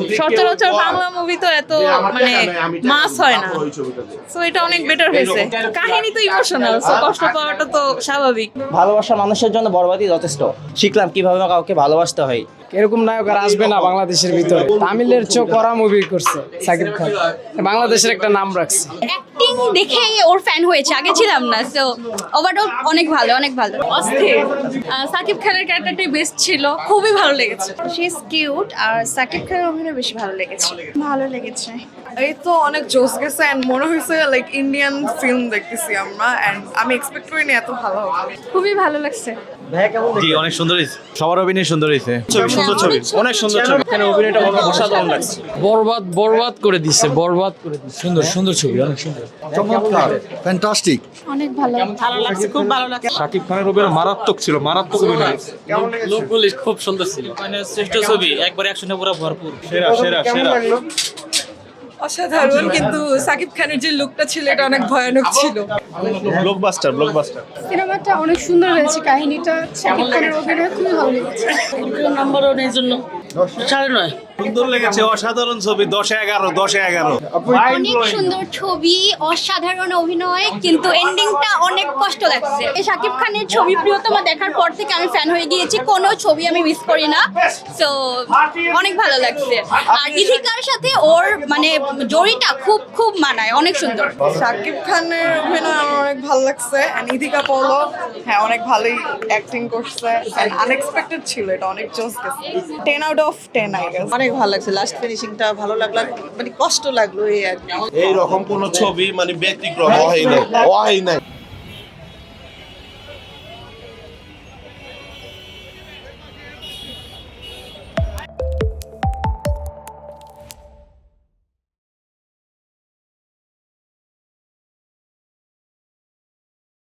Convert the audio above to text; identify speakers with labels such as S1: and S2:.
S1: সচরাচর বাংলা মুভি তো এত মানে মাস হয় না, সো এটা অনেক বেটার হয়েছে। কাহিনী তো ইমোশনাল, সো কষ্ট পাওয়াটা তো স্বাভাবিক।
S2: ভালোবাসা মানুষের জন্য বরবাদই যথেষ্ট। শিখলাম কিভাবে কাউকে ভালোবাসতে হয়।
S3: এরকম নায়ক আর আসবে না বাংলাদেশের ভিতরে। তামিলের চোখ করা মুভি করছে সাকিব খান, বাংলাদেশের একটা নাম রাখছে।
S4: অ্যাক্টিং দেখেই ওর ফ্যান হয়েছে, আগে ছিলাম না। সো ওভারঅল অনেক ভালো, অনেক ভালো।
S1: অস্থির। সাকিব খানের ক্যারেক্টারটাই বেস্ট ছিল, খুবই ভালো লেগেছে।
S4: শি ইজ কিউট, আর সাকিব খানের অভিনয় বেশি ভালো লেগেছে। ভালো লেগেছে।
S1: এই তো অনেক জোস গেছে এন্ড মনে হয়েছে লাইক ইন্ডিয়ান ফিল্ম দেখতেছি আমরা, এন্ড আমি এক্সপেক্ট করিনি এত ভালো হবে।
S4: খুবই ভালো লাগছে।
S5: জি অনেক সুন্দর হয়েছে, সবার অভিনয় সুন্দর হয়েছে। ছবি সুন্দর, ছবি অনেক সুন্দর ছবি।
S2: এখানে অভিনয়টা অসাধারণ লাগছে।
S3: বরবাদ করে দিচ্ছে, বরবাদ করে দিচ্ছে। সুন্দর সুন্দর ছবি, অনেক সুন্দর।
S6: ফ্যান্টাস্টিক।
S4: অনেক ভালো।
S1: ভালো লাগছে, খুব ভালো লাগছে।
S5: শাকিব খানের অভিনয় মারাত্মক ছিল, মারাত্মক অভিনয়।
S7: লোকগুলি খুব সুন্দর ছিল, মানে শ্রেষ্ঠ ছবি, একবার অ্যাকশনে পুরো ভরপুর।
S5: সেরা সেরা সেরা।
S1: অসাধারণ, কিন্তু সাকিব খানের যে লুকটা ছিল এটা অনেক ভয়ানক ছিল।
S5: Blockbuster blockbuster.
S4: সিনেমাটা অনেক সুন্দর হয়েছে, কাহিনীটা, সাকিব খানের অভিনয় খুবই ভালো লেগেছে।
S7: নাম্বার ওয়ান এর জন্য 9.5।
S5: সুন্দর লেগেছে, অসাধারণ ছবি। 10-11 10-11।
S4: অনেক সুন্দর ছবি, অসাধারণ অভিনয়, কিন্তু এন্ডিংটা অনেক কষ্ট লাগছে। এই শাকিব খানের ছবি প্রিয়তমা দেখার পর থেকে আমি ফ্যান হয়ে গিয়েছি, কোনো ছবি আমি মিস করি না। সো অনেক ভালো লাগছে। আর ইথিকার সাথে ওর মানে জড়িটা খুব খুব মানায়, অনেক সুন্দর।
S1: সাকিব খানের অভিনয় আমার অনেক ভালো লাগছে, এন্ড ইদিকা পলো হ্যাঁ অনেক ভালোই অ্যাক্টিং করছে, এন্ড আনএক্সপেক্টেড ছিল, এটা অনেক জোস গেছে। 10 আউট অফ 10 আই গেস।
S8: অনেক ভালো লাগছে, লাস্ট ফিনিশিংটা ভালো লাগলো, মানে কষ্ট লাগলো এই আর কি।
S6: এই রকম কোন ছবি মানে ব্যতিক্রম হয় নাই।